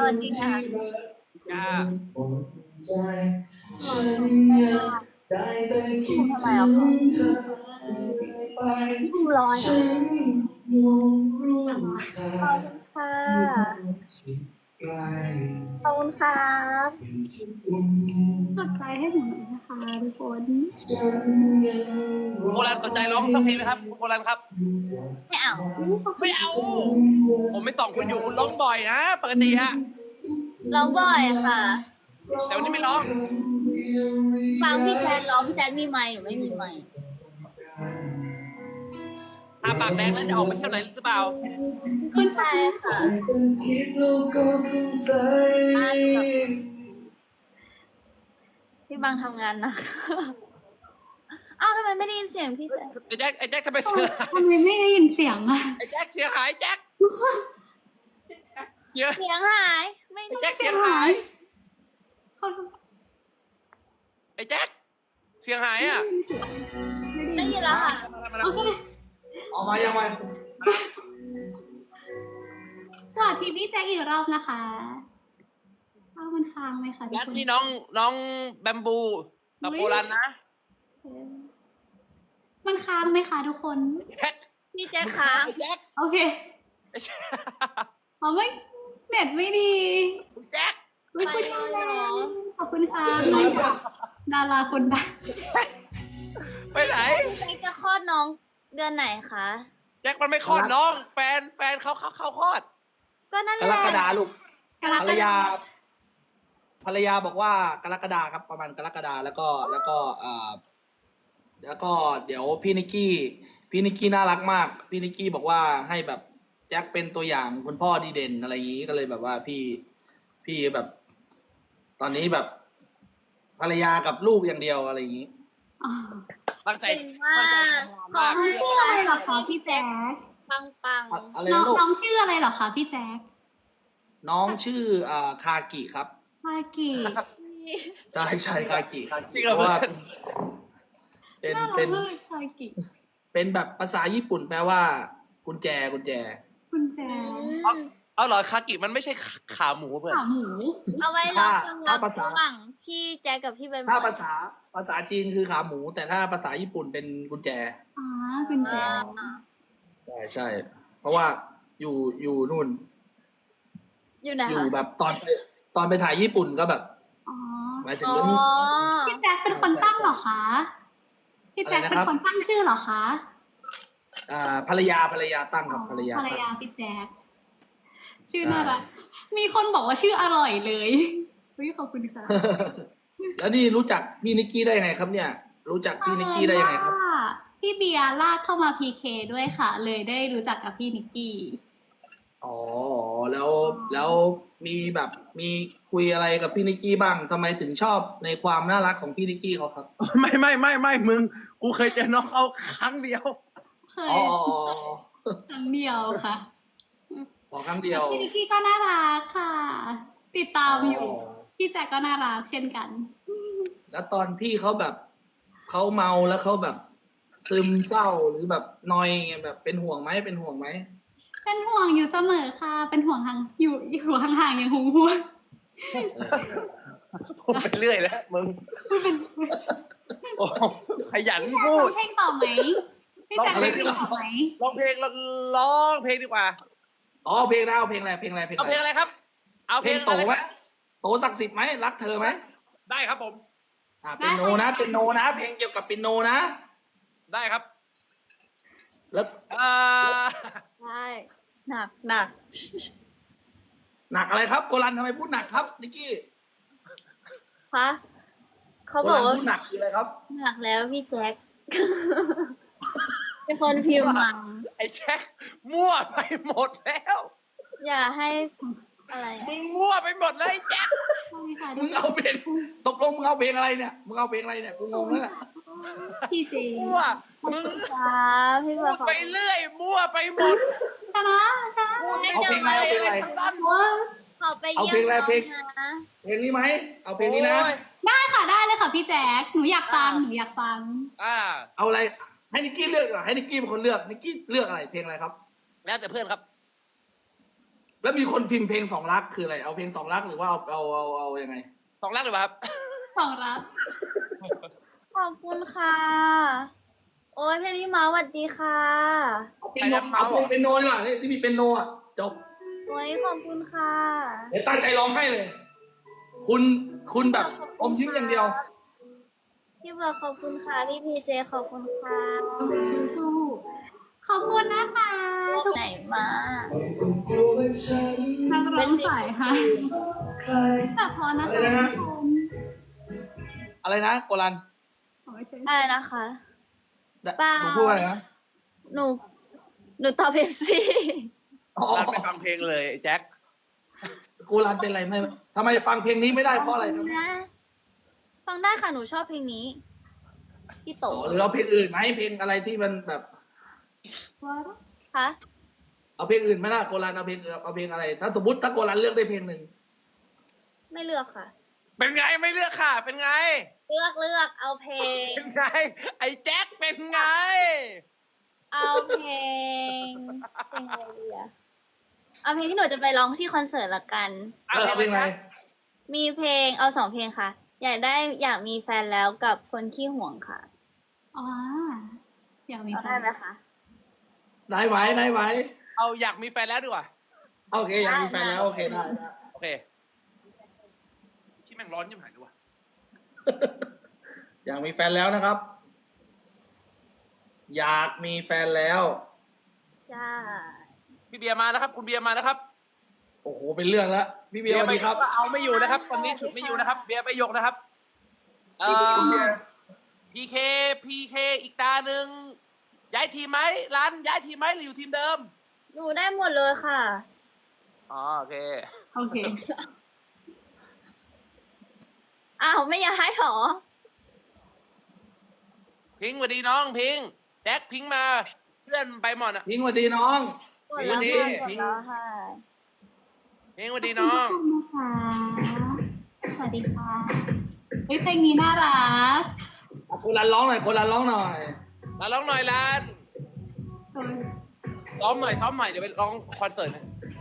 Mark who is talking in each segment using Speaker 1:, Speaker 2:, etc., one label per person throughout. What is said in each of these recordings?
Speaker 1: วัสดีค่ะ
Speaker 2: จ้า
Speaker 1: พี่บูมทำไมอ่ะคะพี่บูมลอยเหรอขอบคุณค่ะขอบคุณครับ
Speaker 3: กดใจให้หนูหน่อยนะคะทุกคน
Speaker 2: โบราณสนใจร้องสักเพลงไหมครับคุณโบราณครับ
Speaker 1: ไม่เอา
Speaker 2: ไม่เอา ผมไม่ส่องคุณอยู่คุณร้องบ่อยนะปกติอะ
Speaker 1: ร้องบ่อยค่ะ
Speaker 2: แต่วันนี้ไม่ร้อง
Speaker 1: ฟังพี่แจ๊ดร้องพี่แจ๊ดมีไมค์หนูไม่มีไมค์
Speaker 2: ทาปากแดงแล้วจะออกไปเที่ยวไหนหรือเปล่า
Speaker 1: คุณชายค่ะพี่บังทำงานนะอ้าวทำไมไม่ได้ยินเสียงพี่แจ๊ด
Speaker 2: ไอ้แจ็คทำไมเสียหาย
Speaker 3: ทำไมไม่ได้ยินเสียงอะ
Speaker 2: ไอ้แจ็คเสียหายแจ็คเสีย
Speaker 1: เสียงหายไม่
Speaker 2: ไอ้
Speaker 1: ได้
Speaker 2: แจ็คเสียหาย ไอ้แจ็คเสียหายอ่ะ
Speaker 1: ได้ยินแล้วค่ะ
Speaker 3: โอเค
Speaker 4: ออกมายังไง
Speaker 3: สวัสดีพี่แจ็คอีกรอบนะคะอ้าวมันค้างไหมคะทุก
Speaker 2: แจ็ค
Speaker 3: คน
Speaker 2: นี่น้องแบมบูกับโบราณนะ
Speaker 3: มันค้างไหมคะทุกคน
Speaker 2: แจ็ค
Speaker 1: พี่แจ๊ดค้าง
Speaker 2: ไอ้แจ็ค
Speaker 3: โอเค
Speaker 2: ไอ้แจ็ค
Speaker 3: อ๋อไม่เน็ตไม่ดี
Speaker 2: แจ็ค
Speaker 3: ไม่คุยแล้วขอบคุณค่ะน้องดาราคนดัง
Speaker 2: ไปไหน
Speaker 1: พี่แจ๊ดจะคลอดน้องเดือนไหนคะ
Speaker 2: แจ็คมันไม่คลอดน้องแฟนเขาคลอด
Speaker 1: ก็นั่นแห
Speaker 4: ก
Speaker 1: ละ
Speaker 4: รกฎาลูก
Speaker 3: กร
Speaker 4: ภร
Speaker 3: ก
Speaker 4: ร
Speaker 3: ฎ
Speaker 4: ยา ภรรยาบอกว่ากรกฎาครับประมาณกรกฎาแล้วก็แล้วก็เดี๋ยวพี่นิกกี้น่ารักมาก พี่นิกกี้บอกว่าให้แบบแจ็คเป็นตัวอย่างคุณพ่อดีเด่นอะไรอย่างนี้ก็เลยแบบว่าพี่แบบ ตอนนี้แบบ ภรรยากับลูกอย่างเดียวอะไรอย่างนี้
Speaker 3: อ๋อ
Speaker 2: ตั้งใจ
Speaker 1: เก่งมาก
Speaker 2: มาก
Speaker 3: น้องชื่ออะไรเหรอคะพี่แจ๊ค
Speaker 1: ปังปัง
Speaker 4: อะไร
Speaker 3: น้อ
Speaker 4: นะ
Speaker 3: ง
Speaker 4: ลูก
Speaker 3: น้องชื่ออะไรเหรอคะพี่แจ๊ค
Speaker 4: น้องชื่อคากิครับ
Speaker 3: พากิ
Speaker 4: ใช่คากิ
Speaker 2: จริง
Speaker 4: เพ
Speaker 2: เหรอ
Speaker 4: ราะว่าเป็น
Speaker 3: น่ารั
Speaker 4: เป็
Speaker 3: ก
Speaker 4: น
Speaker 3: มากพากิ
Speaker 4: เป็นแบบภาษาญี่ปุ่นแปลว่ากุญแจ
Speaker 3: คุณแจ๊ค
Speaker 2: เอาเหรอคากิมันไม่ใช่ขาหมูเพื่อน
Speaker 3: ขาหมู
Speaker 1: เอาไว้รับความลับ
Speaker 4: ถ้าภาษา
Speaker 1: ระหว่างพี่แจ๊คกับพี่ใบไม้
Speaker 4: ถ้าภาษาจีนคือขาหมู แต่ถ้าภาษาญี่ปุ่นเป็นกุญแจ
Speaker 3: อ๋อคุณแจ๊ค
Speaker 4: ใช่ เพราะว่าอยู่นู่น
Speaker 1: อยู่ไหน
Speaker 4: อยู่
Speaker 1: คะ
Speaker 4: แบบตอนไปถ่ายญี่ปุ่นก็แบบ
Speaker 3: อ๋อ
Speaker 4: หมายถึง
Speaker 1: อ๋อ
Speaker 4: เรื่อง
Speaker 3: พี่แจ๊คเป็นคนตั้งเหรอคะพี่แจ๊ค
Speaker 4: อะไร
Speaker 3: เป็
Speaker 4: นะ
Speaker 3: น
Speaker 4: ครับ
Speaker 3: คนตั้งชื่อเหรอคะ
Speaker 4: ภรรยาตั้งครับภรรยา
Speaker 3: ภรร
Speaker 4: ตั้ง
Speaker 3: ยาพี่แจ๊คชื่อน่ารักมีคนบอกว่าชื่ออร่อยเลยวิขอบคุณค่ะ
Speaker 4: แล้วนี่รู้จักพี่นิกกี้ได้ยังไงครับเนี่ย รู้จักพี่นิกกี้ได้ยังไงครับ
Speaker 3: ว่าพี่เบียร์ลากเข้ามาพีเคด้วยค่ะ เลยได้รู้จักกับพี่นิกกี้
Speaker 4: อ๋อแล้วมีแบบมีคุยอะไรกับพี่นิกกี้บ้างทำไมถึงชอบในความน่ารักของพี่นิกกี้เขาครับ
Speaker 2: ไม่มึงกูเคยเจอน้องเขาครั้งเดียว
Speaker 3: เคย
Speaker 4: อ๋อ
Speaker 3: ครั้งเดียวค่ะ
Speaker 4: ขอครั้งเดียว
Speaker 3: พี่นิกกี้ก็น่ารักค่ะ ติดตามอยู่ พี่แจ็คก็น่ารักเช่นกัน
Speaker 4: แล้วตอนพี่เขาแบบเขาเมาแล้วเขาแบบซึมเศร้าหรือแบบนอยไงแบบเป็นห่วงไหม
Speaker 3: เป็นห่วงอยู่เสมอค่ะ เป็นห่วงห่างอยู่ห่างๆอย่างห่วง
Speaker 2: พูดไปเรื่อยแล้วมึงโอ้ขยัน
Speaker 3: พี่แจ็ค
Speaker 2: พู
Speaker 3: ร้อ
Speaker 2: ด
Speaker 3: งเพลงต่อไหมพี่แจ็คร้องเพลงต่อไหม
Speaker 2: ร้องเพลงดีกว่า
Speaker 4: อ๋อเพลงนะเอาเพลงอะไรเพลงอะไรเพลง
Speaker 2: เอาเพลง
Speaker 4: อะไร
Speaker 2: อะไรครับ เอา
Speaker 4: เพลงโตไหมโตศักดิ์สิทธิ์ไหมรักเธอไหม
Speaker 2: ได้ครับผม
Speaker 4: เป็นโนนะเป็นโนนะ เพลงเกี่ยวกับเป็นโนนะ
Speaker 2: ได้ครับ
Speaker 4: แล้ว
Speaker 1: ใช่หนัก
Speaker 4: หนักอะไรครับโกลันทำไมพูดหนักครับนิกกี้
Speaker 1: คะเขา
Speaker 4: โก
Speaker 1: บอ
Speaker 4: ลั
Speaker 1: ก
Speaker 4: น
Speaker 1: ว่า
Speaker 4: พูดหนักคืออะไรครับ
Speaker 1: หนักแล้วพี่แจ็ค เป็นคนพิมพ์มา
Speaker 2: ไอ้แจ็คมั่วไปหมดแล้ว
Speaker 1: อย่าให้อะไรอะ
Speaker 2: มึงมั่วไปหมดเลยไอ้แจ็ค
Speaker 3: ใช่ค่ะ
Speaker 4: มึงเอาเพลงตกลงมึงเอาเพลงอะไรเนี่ยมึงเอาเพลงอะไรเนี่ยกูงงแล้วเนี่ย
Speaker 3: พี่เจ
Speaker 2: มั่วมึง
Speaker 1: ครับพี่บ
Speaker 2: มั่
Speaker 1: อ
Speaker 2: ว
Speaker 1: ก
Speaker 2: ไปเรื่อยมั่วไปหมด
Speaker 3: ชนะชนะ
Speaker 2: พูด
Speaker 4: เอาเพลงอะไรเอาเพลงอะไร
Speaker 1: เขาไป
Speaker 4: เอา
Speaker 1: เยี่ย
Speaker 4: เพลง
Speaker 1: ม
Speaker 4: อะไร
Speaker 1: น้อง
Speaker 4: เพลง
Speaker 1: นะ
Speaker 4: เพลงนี้ไหมเอาเพลงนี้นะ
Speaker 2: โอ้ย
Speaker 3: ได้ค่ะได้เลยค่ะพี่แจ๊คหนูอยากฟังหนูอยากฟัง
Speaker 4: เอาอะไรให้นิกกี้เลือกดีกว่าให้นิกกี้เป็นคนเลือกนิกกี้เลือกอะไรเพลงอะไรครับ
Speaker 2: แล้วแต่เพื่อนครับ
Speaker 4: แล้วมีคนพิมพ์เพลงสองรักคืออะไรเอาเพลงสองรักหรือว่าเอายังไง
Speaker 2: สองรักหรือเปล่าครับ
Speaker 3: สองรัก
Speaker 1: ขอบคุณค่ะ โอ้ยเพลงนี้มาสวัสดีค่ะ
Speaker 4: เป็นโนเอาเพลงเป็นโนดีกว่าที่มีเป็นโนอ่ะจบ
Speaker 1: โอ้ยขอบคุณค่ะ
Speaker 4: เดี๋ยวตั้งใจร้องให้เลย คุณแบบอมยิ้มอย่างเดียว
Speaker 1: พี่เบิร์ดขอบคุณค่ะ พี่พีเจขอบคุณค่ะ
Speaker 3: สู้ๆขอบคุณนะคะทุก
Speaker 1: ไหนมา
Speaker 3: นักร้องสายค่ะแต่พอนะคะ
Speaker 4: อะไรนะฮะ
Speaker 3: ทุกคน
Speaker 4: อะไรนะโกลัน
Speaker 3: อ๋อไม่ใช่
Speaker 1: อะไรนะคะ เปล่า
Speaker 4: ผมพูดว่าอะไรนะ
Speaker 1: หนูตอบเพลงสิ
Speaker 4: อ๋อ
Speaker 2: ร้านไปฟังเพลงเลยไอ้แจ็ค
Speaker 4: โกลันเป็นอะไรไม่ทำไมฟังเพลงนี้ไม่ได้เพราะอะไรครับ
Speaker 1: นะฟังได้ค่ะ หนูชอบเพลงนี้ พี่โต
Speaker 4: หรือเอาเพลงอื่นไหมเพลงอะไรที่มันแบบ
Speaker 1: คะ
Speaker 4: เอาเพลงอื่นไหมล่ะโกลันเอาเพลงอะไร ถ้าสมมติถ้าโกลันเลือกได้เพลงหนึ่ง
Speaker 1: ไม่เลือกค่ะ
Speaker 2: เป็นไงไม่เลือกค่ะ เป็นไง
Speaker 1: เลือกเอาเพลง
Speaker 2: เป็นไง ไอ้แจ็คเป็นไง
Speaker 1: เอาเพลงอะไรดีอะเอาเพลงที่หนูจะไปร้องที่คอนเสิร์ตละกัน
Speaker 4: เอาเพลงอะไร
Speaker 1: มีเพลงเอา2 เพลงค่ะ อยากมีแฟนแล้วกับคนขี้ห่วงค่ะ
Speaker 3: อ๋ออยากมี
Speaker 1: เอา
Speaker 3: แฟ
Speaker 1: ได้
Speaker 3: น
Speaker 1: ไหมคะ
Speaker 4: ได้ไหว
Speaker 2: เอาอยากมีแฟนแล้วดีกว่า
Speaker 4: โอเคอยากมีแฟนแล้วโอเคได้
Speaker 2: โอเคที่แม่งร้อนยิ่งหายด้วย
Speaker 4: อยากมีแฟนแล้วนะครับ อยากมีแฟนแล้ว
Speaker 1: ใช่
Speaker 2: พี่เบียร์มานะครับ คุณเบียร์มานะครับ
Speaker 4: โอ้โหเป็นเรื่องแล้วพี่เบียร์สวัสดีครับ
Speaker 2: ก็เอาไม่อยู่นะครับตอนนี้ฉุดไม่อยู่นะครับ เบียร์ไปยกนะครับ
Speaker 4: พี่เบียร์
Speaker 2: พีเคอีกตาหนึ่งย้ายทีมไหมร้านย้ายทีมไหมหรืออยู่ทีมเดิม
Speaker 1: หนูได้หมดเลยค่ะ
Speaker 2: อ๋อโอเค
Speaker 3: โอเค
Speaker 1: อ้าวไม่ย้ายหรอ
Speaker 2: พิงค์สวัสดีน้องพิงค์แจ็คพิงค์มาเพื่อนไปหมดอ่ะ
Speaker 4: พิงค์สวัสดีน้อง
Speaker 1: กดแล้ว
Speaker 2: ดี
Speaker 1: ค่ะกดแล้วค่ะ
Speaker 2: พิงค์สวัสดีน้อง
Speaker 3: ขอบคุณนะคะสวัสดีค่ะเฮ้ยเพลงนี้น่ารัก
Speaker 4: โกลันร้องหน่อยโกลันร้องหน่อย
Speaker 2: มาร้องหน่อยร้าน
Speaker 3: เออ
Speaker 2: ซ้อมหน่อยเดี๋ยวไปร้องคอนเสิร์ตนะ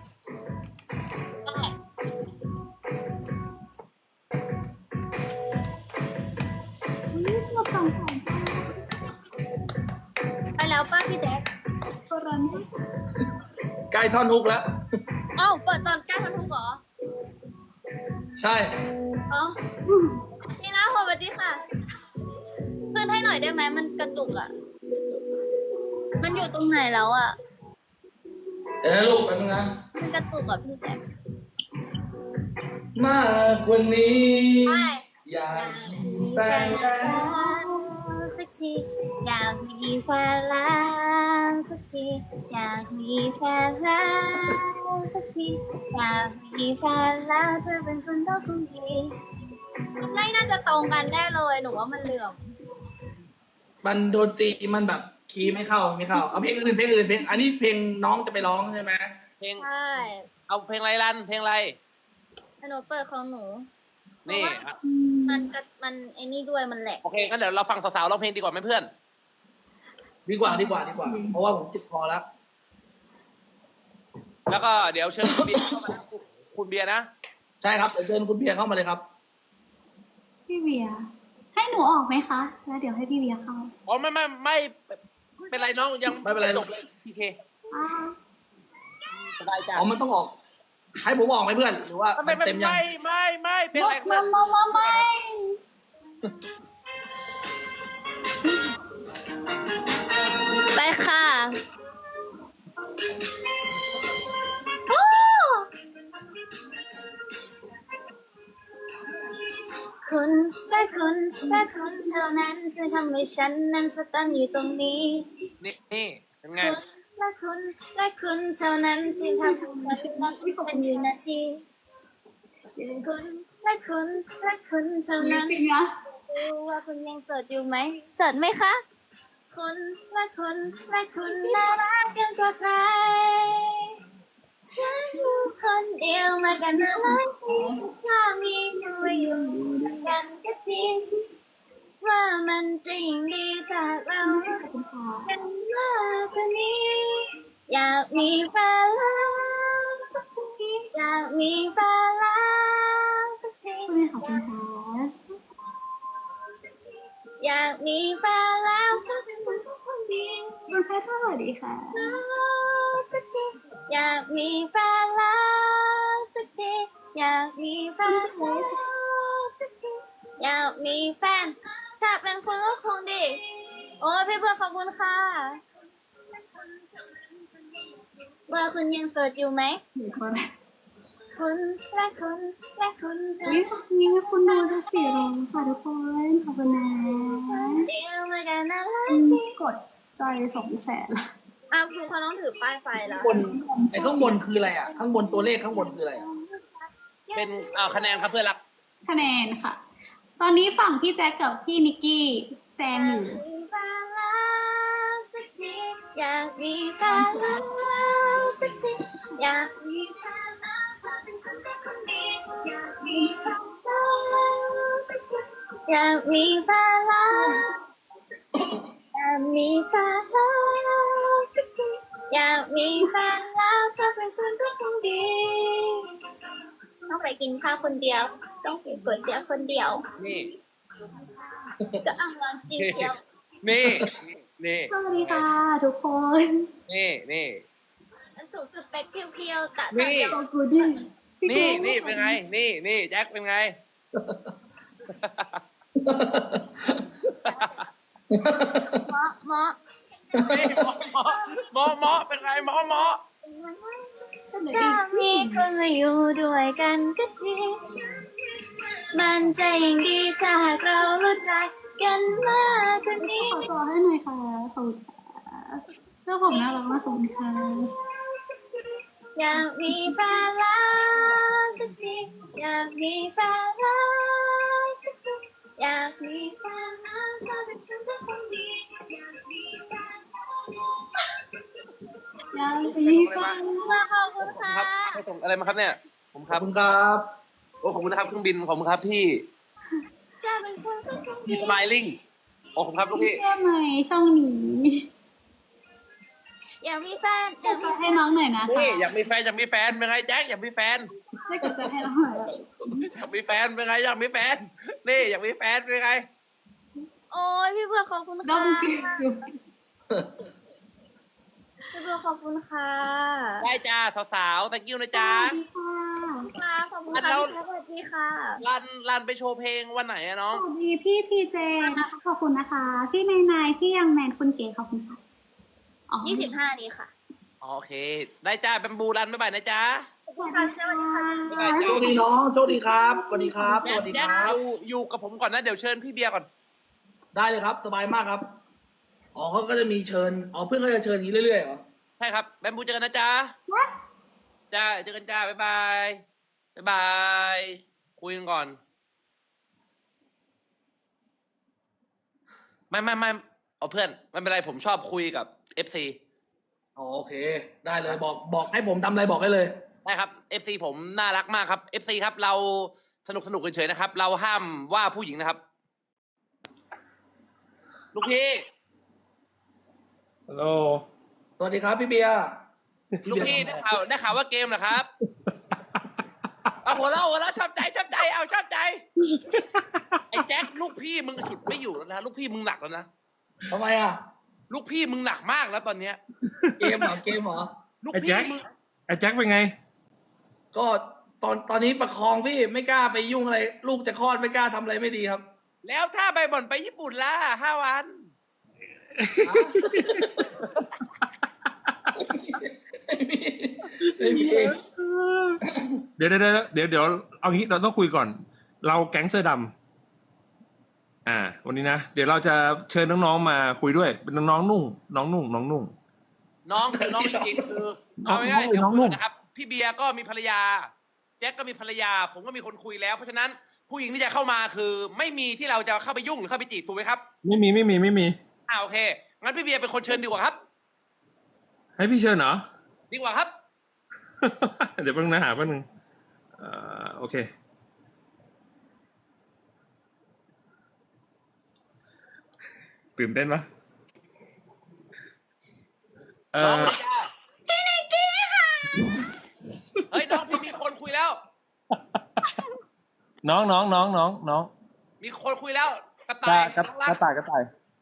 Speaker 3: อุ๊ยหมดสองแสนจ้า
Speaker 1: ไปแล้วป้าพี่แจ๊ค
Speaker 3: โบราณด้วย
Speaker 4: ใกล้ท่อนฮุกแล้ว
Speaker 1: อ้าวเปิดตอนใกล้ทันทุกเหรอ
Speaker 4: ใช่
Speaker 1: อ๋อนี่นะสวัสดีค่ะขึ้นให้หน่อยได้ไหมมันกระตุกอ่ะ มันอยู่ตรงไหนแล้วอ่ะ
Speaker 4: เดี๋ยวนะลูกแป๊บนึงนะ
Speaker 1: มันกระตุกอ่ะพี่แจ๊ค
Speaker 4: มากกว่านี้
Speaker 1: ใช่
Speaker 4: อยากมีแฟนแล้ว
Speaker 1: สักทีอยากมีแฟนแล้วสักทีอยากมีแฟนแล้วสักทีอยากมีแฟนแล้วเธอเป็นคนต้องคงดีไม่น่าจะตรงกันแน่เลยหนูว่ามันเหลื่อม
Speaker 4: มันโดนตรีมันแบบคีย์ไม่เข้าเอาเพลงอื่นเพลงอันนี้เพลงน้องจะไปร้องใช่ไหม
Speaker 2: เพลง
Speaker 1: ใช่
Speaker 2: เอาเพลงอะไรรันเพลงอะไร
Speaker 1: หนูเปิดของหนู
Speaker 2: นี่
Speaker 1: เพราะว่ามันไอ้นี่ด้วยมันแหลก
Speaker 2: โอเคงั้นเดี๋ยวเราฟังสาวๆร้องเพลงดีกว่าไหมเพื่อน
Speaker 4: ดีกว่าเพราะว่าผมจิตพอแล้ว
Speaker 2: แล้วก็เดี๋ยวเชิญคุณเบียร์เข้ามานะคุณเบียร์นะ
Speaker 4: ใช่ครับเดี๋ยวเชิญคุณเบียร์เข้ามาเลยครับ
Speaker 3: พี่เบียร์ให้หนูออกไหมคะ แล้วเดี๋ยวให้พี่เบียร์เข้า
Speaker 2: อ๋อไม่เป็นไรน้องยัง
Speaker 4: ไม่เป็นไร
Speaker 2: จบเลยพีเค
Speaker 3: อ่า
Speaker 2: สบายใจ
Speaker 4: อ๋อมันต้องออก ให้ผมออกไหมเพื่อนหรือว่ามั
Speaker 2: ไม่
Speaker 4: นเต็มยัง
Speaker 2: ไม่เพลงอะไร
Speaker 3: ไม่
Speaker 1: ไปค่ะโอ้คุณและคุณและคุณเท่านั้นช่วยทำให้ฉันนั้นสตันอยู่ตรงนี้
Speaker 2: นี่เป็นไง
Speaker 1: คุณและคุณและคุณเท่านั้นที่ทำให้ฉันนั้นเป็นอยู่นาทีคุณและคุณและคุณเท่า
Speaker 3: มี
Speaker 1: นั้น
Speaker 3: สิงนะ
Speaker 1: รู้ว่าคุณยังโสดอยู่ไหมโสดไหมคะ คุณและคุณและคุณน่ารักกันกว่าใครฉันอยู่คนเดียวมากันหลายปีถ้ามีตัวอยู่ด้วยกันก็จริงว่ามันจริงดีจากเราเป็นมากกว่านี้อยากมีแฟนแล้วสักทีอยากมีแฟนแล้วสักที
Speaker 3: คุณขอบคุณค่ะ
Speaker 1: อยากมีแฟนแล้วเธอเป็นคนคนเดียว
Speaker 3: คุณแพทย์สวัสดีค่ะ
Speaker 1: สักทีอยากมีแฟนแล้วสักทีอยากมีแฟนแล้วสักทีอยากมีแฟนถ้าเป็นคุณก็คงดีโอ้ยพี่เพื่อนขอบคุณค่ะว่าคุณยังโสดอยู่ไหม
Speaker 3: หนึ่งคน
Speaker 1: คุณและคุณและคุณจะ
Speaker 3: วิธีคุณดูจะ400ค่ะทุกคนขอบคุณนะ
Speaker 1: เดียวมากันนะไล
Speaker 3: กดจอย200,000
Speaker 1: อ้าวคุณเขาต้องถือป้ายไฟแล้ว
Speaker 4: ข้างบนไอ้ข้างบนคืออะไรอ่ะ ข้างบนตัวเลขข้างบนคืออะไรอ่ะ
Speaker 2: เป็นคะแนนครับเพื่อนรัก
Speaker 3: คะแนนค่ะ ตอนนี้ฝั่งพี่แจ็คกับพี่นิกกี้แซงอยู่
Speaker 1: อยากมีแฟนแล้วสักทีอยากมีแฟนแล้วเธอเป็นคนแรกคนเดียวอยากมีแฟนแล้วสักทีอยากมีแฟนแล้วอยากมีแฟนแล้วสักทีอยากมีแฟนแล้วเธอเป็นคนแรกคนเดียวต้องไปกินข้าวคนเดียว ต้องกินก๋วยเตี๋ยวคนเดียว
Speaker 2: นี่
Speaker 1: ก็อ้างวางจีเชียว
Speaker 2: นี่นี่
Speaker 3: สวัสดีค่ะทุกคน
Speaker 2: นี่
Speaker 1: ถูกสเปคเพียวๆแต่
Speaker 2: นี่
Speaker 3: ขอบคุณดิพี่
Speaker 2: นี่
Speaker 3: กู๊ด
Speaker 2: นี่เป็นไง นี่แจ็คเป็นไง
Speaker 1: เหมาะ
Speaker 2: นี่หมอเป็นไงหมอ
Speaker 1: ถ้ามีคนมาอยู่ด้วยกันก็ดี มันจะยิ่งดีถ้าหากเรารู้จักกันมากกว่านี้
Speaker 3: ขอตัวให้หน่อยค่ะขอบคุณค่ะเสื้อผมน่ารักมากขอบคุณค่ะ
Speaker 1: อยากมีแฟนแล้วสักทีอยากมีแฟนแล้วสักทีอยากมีแฟนแล้วเธอเป็นคนที่คนดีอยากมีแฟนแล้วสักที
Speaker 3: ยังมีฟัง
Speaker 1: ขอบคุณ
Speaker 2: ค
Speaker 1: ค่ะ
Speaker 2: รับให้ส่งอะไรมาครับเนี่ย ผมค
Speaker 4: ขอ
Speaker 2: รั
Speaker 4: บบ คุณครับ
Speaker 2: โอ้ขอบคุณนะครับเครื่องบินขอบคุณครับพี่
Speaker 1: จะเป็นคนที่คนดี
Speaker 2: พี่สไมลิ่งโอ้ขอบคุณครับลูก
Speaker 3: พี่
Speaker 2: พี่
Speaker 3: แก้มไหมช่องนี้
Speaker 1: อยากมีแฟน
Speaker 3: กดใจให้น้องหน่อยนะคะ
Speaker 2: นี่อยากมีแฟนเป็นไงแจ็คอยากมีแฟน
Speaker 3: ให้กดใจให้น้องหน่อย
Speaker 2: อยากมีแฟนเป็นไงอยากมีแฟนนี่อยากมีแฟนเป็นไง
Speaker 1: โอ้ยพี่เพื่อนขอบคุณ
Speaker 3: ด้อ
Speaker 1: ค่ะ
Speaker 3: มกิว
Speaker 1: พี่เพื่อนขอบคุณค่ะ
Speaker 2: ได้จ้าสาวๆ thank you นะจ๊ะ
Speaker 1: ค่ะขอบคุณค่ะ
Speaker 2: แล้ว
Speaker 1: พี่สวัสดีค่ะ
Speaker 2: รันไปโชว์เพลงวันไหนอะน้อง
Speaker 3: สวัสดีพี่พีเจนะคะขอบคุณนะคะ พี่นายพี่ยังแมนคุณเก๋ขอบคุณค่ะอ๋อ
Speaker 1: 25นี้ค่ะ
Speaker 2: โอเค ได้จ้าแบมบูรันบ๊ายบายนะจ๊ะ
Speaker 3: สวัสดีค่ะ
Speaker 2: บ๊ายบาย
Speaker 4: โชคดีน้องโชคดีครับสวัสดีครับสวัสดี
Speaker 2: แจ็
Speaker 4: ค
Speaker 2: ค
Speaker 4: รับ
Speaker 2: อยู่กับผมก่อนนะ เดี๋ยวเชิญพี่เบียร์ก่อน
Speaker 4: ได้เลยครับ สบายมากครับ อ๋อเขาก็จะมีเชิญ อ๋อเพื่อนเขาจะเชิญอย่างนี้เรื่อยๆเหรอ
Speaker 2: ใช่ครับ แบมบูเจอกันนะจ๊ะ จ้า เจอกันจ้า บ๊ายบาย บ๊ายบาย คุยกันก่อน ไม่เอาเพื่อน ไม่เป็นไร ผมชอบคุยกับ FC
Speaker 4: อ๋อโอเค ได้เลยบอกให้ผมทำอะไรบอกได้เลย
Speaker 2: ได้ครับ FC ผมน่ารักมากครับ FC ครับ เราสนุกเฉยๆนะครับ เราห้ามว่าผู้หญิงนะครับ ลูกพี่
Speaker 5: ฮัลโหล
Speaker 4: สวัสดีครับพี่เบียร์
Speaker 2: ลูกพี่ได้ข่าวว่าเกมเหรอครับ เอาหัวเราะชอบใจเอาชอบใจ ไอ้แจ็คลูกพี่มึงฉุดไม่อยู่แล้วนะลูกพี่มึงหนักแล้วนะ
Speaker 4: ทำไมอ่ะ
Speaker 2: ลูกพี่มึงหนักมากแล้วตอนเนี้ย
Speaker 4: เกมเหรอเกมเหรอ
Speaker 2: ลูก
Speaker 5: ไอ้
Speaker 2: พี่
Speaker 5: แจ็ค
Speaker 2: มึง
Speaker 5: ไอ้แจ็คเป็นไง
Speaker 4: ก็ตอนนี้ประคองพี่ไม่กล้าไปยุ่งอะไร ลูกจะคลอดไม่กล้าทำอะไรไม่ดีครับ
Speaker 2: แล้วถ้าใบบ่อนไปญี่ปุ่นล่ะ5 วัน
Speaker 4: ไม่มี
Speaker 5: เดี๋ยวเอางี้เราต้องคุยก่อน เราแก๊งเสื้อดำวันนี้นะเดี๋ยวเราจะเชิญน้องๆมาคุยด้วย เป็นน้องๆนุ่ง น้องนุ่ง
Speaker 2: น้องคือน้องจริงๆคือ
Speaker 5: น้อง
Speaker 2: เอาง่ายๆเดี๋ยว
Speaker 5: น้อง
Speaker 2: คุย
Speaker 5: นุ่
Speaker 2: ก่อ
Speaker 5: ม
Speaker 2: นนะครับ พี่เบียร์ก็มีภรรยา แจ็คก็มีภรรยา ผมก็มีคนคุยแล้ว เพราะฉะนั้นผู้หญิงที่จะเข้ามาคือ ไม่มีที่เราจะเข้าไปยุ่งหรือเข้าไปจีบถูกไหมครับ
Speaker 5: ไม่มี
Speaker 2: โอเคงั้นพี่เบียร์เป็นคนเชิญดีกว่าครับ
Speaker 5: ให้พี่เชิญเหรอ
Speaker 2: ดีกว่าครับ
Speaker 5: เดี๋ยวแป๊บนึงนะหาแป๊บนึงโอเค ตื่นเต้นปะ
Speaker 2: น้องพี่นิกกี้ค่ะ เฮ้ยน้องพี่มีคน
Speaker 5: น้อง
Speaker 2: มีคนคุยแล้วกระ
Speaker 5: ก
Speaker 2: ต่าย
Speaker 5: ระ
Speaker 2: น้องรัก
Speaker 5: ต่าย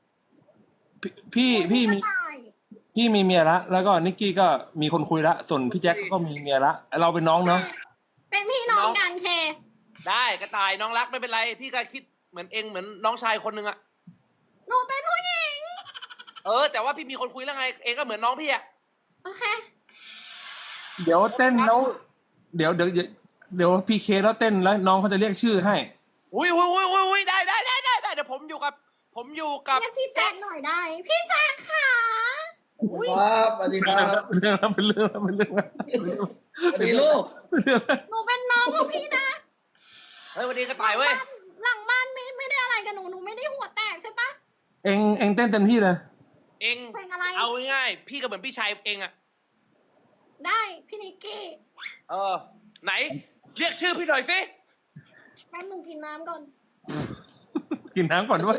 Speaker 5: พี่มีเมียละแล้วก็นิกกี้ก็มีคนคุยละส่วนพี่แจ็คก็มีเมียละเราเป็นน้องเนาะ
Speaker 3: เป็นพี่น้องกันเค
Speaker 2: ได้กระต่ายน้องรักไม่เป็นไร พี่ก็คิดเหมือนเองเหมือนน้องชายคนหนึ่งอะ
Speaker 3: หนูเป็นผู้หญิง
Speaker 2: แต่ว่าพี่มีคนคุยแล้วไงเองก็เหมือนน้องพี่อะ
Speaker 3: โอเค
Speaker 5: เดี๋ยวเต้นแล้วเดี๋ยวพีเคแล้วเต้นแล้วน้องเขาจะเรียกชื่อให้
Speaker 2: อุ้ยได้เดี๋ยวผมอยู่กับ
Speaker 3: เรียกพี่แจ็คหน่อยได้ พี่แจ็คค่ะ
Speaker 4: ครับสวัสดีครับ
Speaker 5: เป็นเรื่อง
Speaker 4: สวัสดีลูก
Speaker 3: หนูเป็นน้องของพี่นะ
Speaker 2: เฮ้ยวันนี้กระต่ายเว้ย
Speaker 3: หลังบ้านไม่ได้อะไรกับหนู หนูไม่ได้หัวแตกใช่ปะ
Speaker 5: เองเต้นเต็มที่เลย
Speaker 2: เอง
Speaker 3: เพลงอะไร
Speaker 2: เอาง่ายๆพี่ก็เหมือนพี่ชายเองอะ
Speaker 3: ได้พี่นิกกี้
Speaker 2: ไหน เรียกชื่อพี่หน่อยสิ
Speaker 3: แป๊บนึงกินน้ำก่อน
Speaker 5: กินน้ำก่อนด้วย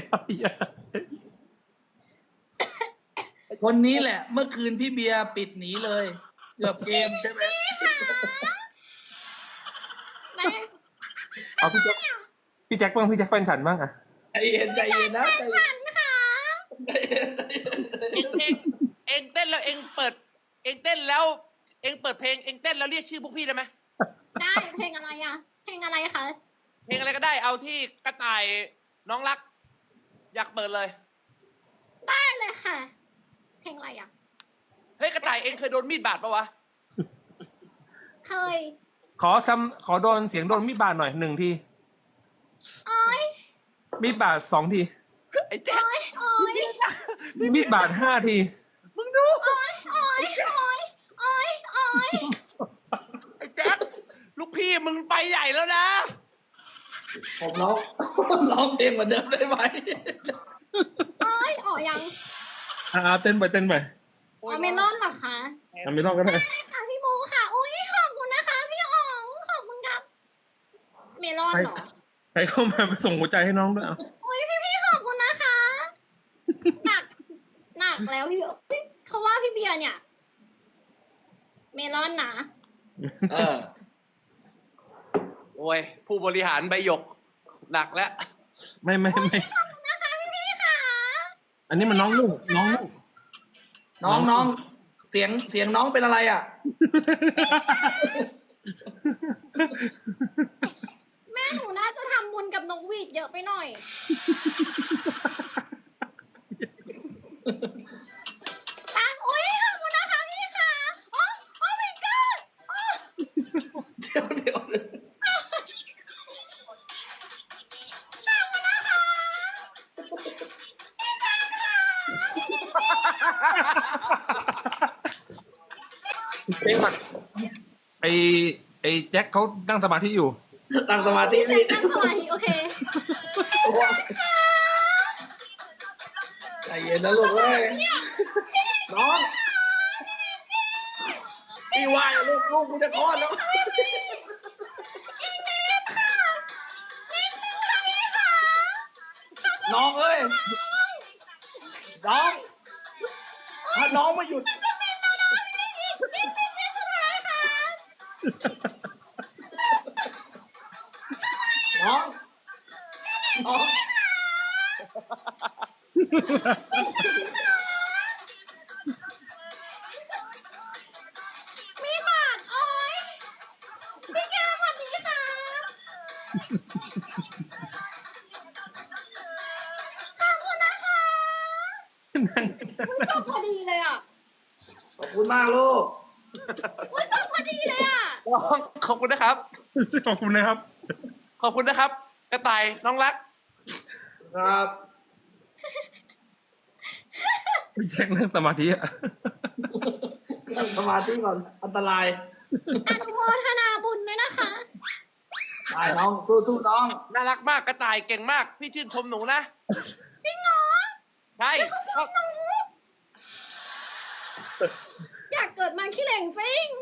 Speaker 4: คนนี้แหละ เมื่อคืนพี่เบียร์ปิดหนีเลยเกือบเกมใช่ไหม
Speaker 3: ไหน
Speaker 5: เอาพี่แจ็คบ้างพี่แจ็คแฟนฉันบ้างอะ
Speaker 4: ใจเย็นนะใจเย็น
Speaker 3: ฉันค่ะ
Speaker 2: เองเต้นแล้วเองเปิดเองเต้นแล้วเองเปิดเพลงเองเต้นแล้วเรียกชื่อพวกพี่ได้ไหม
Speaker 3: ได้เพลงอะไรอ่ะ เพลงอะไรคะ
Speaker 2: เพลงอะไรก็ได้เอาที่กระต่ายน้องรัก อยากเปิดเลย
Speaker 3: ได้เลยค่ะ เพลงอะไรอ่ะ
Speaker 2: เฮ้ยกระต่ายเองเคยโดนมีดบาดปะวะ
Speaker 3: เคย
Speaker 5: ขอโดนเสียงโดนมีดบาดหน่อย1 ที
Speaker 3: โอ้ย
Speaker 5: มีดบาด2 ที
Speaker 2: ไอ้แจ๊ค
Speaker 3: โอ้ย
Speaker 5: มีดบาด5 ที
Speaker 2: มึงดู
Speaker 3: โอ้ยโอ้ยโอ้ยโอ้ยโอ้ย
Speaker 2: ไอ้แจ๊คลูกพี่มึงไปใหญ่แล้วนะ
Speaker 4: ผมร้องเพลงเหมือนเดิมได้ไหม
Speaker 3: โอ้ยอ๋อยัง
Speaker 5: เต้นไป
Speaker 3: อ๋อเมลอนเหรอคะ
Speaker 5: ไม่ต้องก็ได้
Speaker 3: ได้ค่ะพี่โมค่ะ อุ้ยขอบคุณนะคะ พี่อ๋องขอบคุณครับ เมลอนเหรอ
Speaker 5: ใครเข้ามาไปส่งหัวใจให้น้องด้วยเอา
Speaker 3: อุ้ยพี่ขอบคุณนะคะ หนักแล้วพี่เฮ้ยเขาว่าพี่เบียร์เนี่ย เมลอนนะ
Speaker 2: โอ้ยผู้บริหารใบหยกหนักแล้ว
Speaker 5: ไม่
Speaker 3: ขอบคุณนะคะพี่ค่ะ
Speaker 5: อันนี้มันน้องลูก
Speaker 4: น้องเสียงน้องเป็นอะไรอ่ะ
Speaker 3: แม่หนูน่าจะทำบุญกับนกหวีดเยอะไปหน่อยอุ้ยขอบคุณนะคะพี่ค่ะโอ้ my god โอ้
Speaker 4: เดี๋ยว
Speaker 5: เพลงมันไอแจ็คเขานั่งสมาธิอยู่
Speaker 4: ตั้งสมาธิ
Speaker 3: พี่
Speaker 4: นี่
Speaker 3: แจ็คนั่งสมาธิโอเค
Speaker 4: ใจเย็นนะลูกเว้ยน้องพี่ว่าลูกกูจะคลอดแล้วน้องเอ้ยน้องถ้าน้องไม่หยุดน้อง
Speaker 3: มีบาทโอ้ยพี่แก้วสวัสดีค่ะขอบคุณนะคะจบพอดีเลยอ่ะ
Speaker 4: ขอบคุณมากลูก
Speaker 3: อุ้ยจบพอดีเลยอ่ะ
Speaker 2: ขอบคุณนะครับ
Speaker 5: ขอบคุณนะครับ
Speaker 2: ขอบคุณนะครับ กระต่ายน้องรัก
Speaker 4: ครับ
Speaker 5: พี่แจ็คนั่งสมาธิอะ
Speaker 4: นั่งสมาธิก่อนอันตราย
Speaker 3: อนุโมทนาบุญด้วยนะคะ
Speaker 4: ได้น้องสู้น้อง
Speaker 2: น่ารักมากกระต่ายเก่งมาก พี่ชื่นชมหนูนะ
Speaker 3: จริงเหรอ
Speaker 2: ใช่
Speaker 3: อยากเกิดมาขี้เหร่งจริง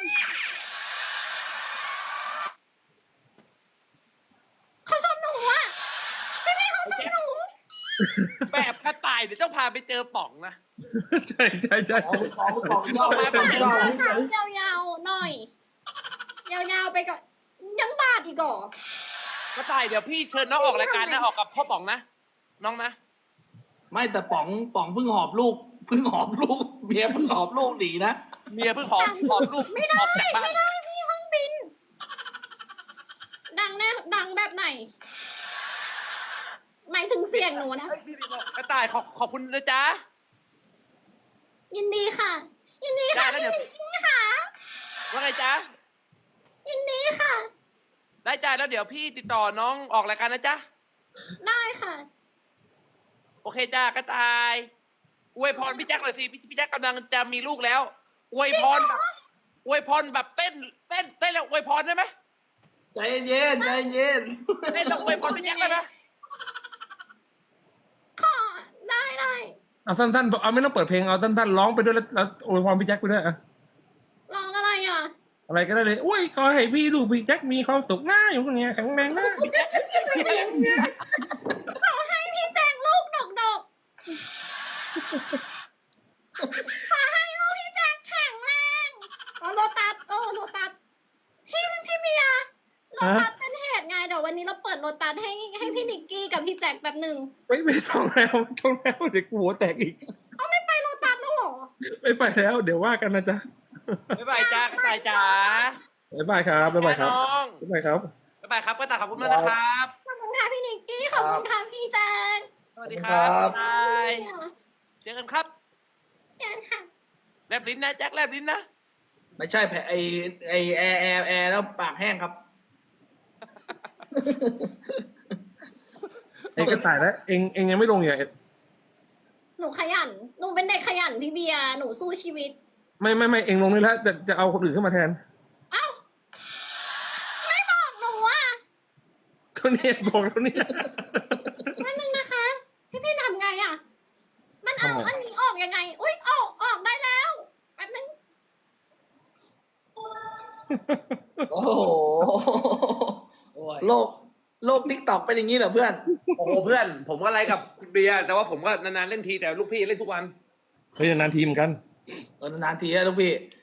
Speaker 3: เขาชมหนูอ่ะพี่เขาชมหนู
Speaker 2: แบบกระต่ายเดี๋ยวต้องพาไปเจอป๋องนะ
Speaker 5: ใช่
Speaker 4: ของย่อไปย่อ
Speaker 3: ขายาวๆหน่อย ยาวๆไปก่อนยังบาทอีกเหรอ
Speaker 2: กระต่ายเดี๋ยวพี่เชิญน้องออกรายการนะออกกับพ่อป๋องนะน้องนะ
Speaker 4: ไม่แต่ป๋องเพิ่งหอบลูกเมียเพิ่งหอบลูกหนีนะ
Speaker 2: เมียเพิ่งหอบลูก
Speaker 3: ไม่ได้
Speaker 2: ออกจากบ้าน
Speaker 3: ไม่ได้พี่ห้องบิน ดังแน่ดังแบบไหน หมายถึงเสียงหนูนะ
Speaker 2: เฮ้ยพี่บอกกระต่ายขอบคุณนะจ๊ะ
Speaker 3: ยินดีค่ะ ยินดีค่ะ
Speaker 2: ได้แล้ว
Speaker 3: พี่
Speaker 2: เดี๋ยว
Speaker 3: นิกกี้ค่ะ
Speaker 2: ว่าไงจ๊ะ
Speaker 3: ยินดีค่ะ
Speaker 2: ได้จ้าแล้วเดี๋ยวพี่ติดต่อน้องออกรายการนะจ๊ะ
Speaker 3: ได้ค่ะ
Speaker 2: โอเคจ้ากระต่ายอวยพรพี่แจ็คหน่อยสิพี่แจ็คกำลังจะมีลูกแล้วอวยพรแบบเต้นแล้วอวยพรได้ไหม
Speaker 4: ใจเย็น
Speaker 2: เต้นแล้วอวยพรพี่แจ็คได้ไหม
Speaker 3: ขอ ได้
Speaker 5: เอาสั้นๆเอาไม่ต้องเปิดเพลงเอาสั้นๆร้องไปด้วยแล้วอวยพรพี่แจ็คไปด้วยอะ
Speaker 3: ลองอะไรอ่ะ
Speaker 5: อะไรก็ได้เลยโอ้ยขอให้พี่ลูกพี่แจ็คมีความสุขหน้าอยู่คนเนี้ยแข็งแรงนะ
Speaker 3: ขอให้พี่แจงลูกดกขอให้ลูกพี่แจงแข็งแรงโลตัสโลตัสพี่เบียร์โลตัสเป็นเหตุไงเดี๋ยววันนี้เราเปิดโลตัสให้พี่นิกกี้กับพี่แจ็คแบบหนึ่ง
Speaker 5: ไม่ต้องแล้วเดี๋ยวกูหัวแตกอีก
Speaker 3: เอาไม่ไปโลตัสแล้วเหรอ
Speaker 5: ไม่ไปแล้วเดี๋ยวว่ากันนะจ๊ะ
Speaker 2: บ๊ายบายจ้ากระต่ายจ๋า
Speaker 5: บ๊ายบายครับบ๊ายบายครับ
Speaker 2: น้อง
Speaker 5: บ๊ายบายครับ
Speaker 2: บ๊ายบายครับกระต่ายขอบคุณมากนะครับ
Speaker 3: ขอบคุณค่ะพี่นิกกี้ขอบคุณค่ะพี่แจ็ค
Speaker 2: สวัสดีครับกระต่าย
Speaker 3: เดี๋ยว
Speaker 2: เจอกันครับ
Speaker 3: เดี๋ยวค่ะ
Speaker 2: แลบลิ้นนะแจ็คแลบลิ้นนะ
Speaker 4: ไม่ใช่แผลไอแอร์แล้วปากแห้งครับ
Speaker 5: เองก็ตายแล้วเองยังไม่ลงอย่าง
Speaker 3: หนูขยันหนูเป็นเด็กขยันพี่เบียร์หนูสู้ชีวิต
Speaker 5: ไม่เองลงนี่แล้วจะเอาคนอื่นขึ้นมาแทน
Speaker 3: เอ้าไม่บอกหนูอ่ะ
Speaker 5: ก็เนี่ยบอกแล้วเนี่ย
Speaker 3: นั่นนึงนะคะพี่ทำไงอ่ะ มันเอา
Speaker 5: ทำไง
Speaker 3: อันนี้ออกยังไง อุ้ยออกได้แล้วแป๊บนึง
Speaker 4: โอ้โหโลกทิกตอกเป็นอย่างนี้เหรอเพื่อน
Speaker 2: โอ้โหเพื่อน ผมก็ไลฟ์กับคุณเบียร์แต่ว่าผมก็นานๆเล่นทีแต่ลูกพี่เล่นทุกวัน
Speaker 5: เฮ้ยนานทีมกัน
Speaker 4: นานๆทีนะลูกพี่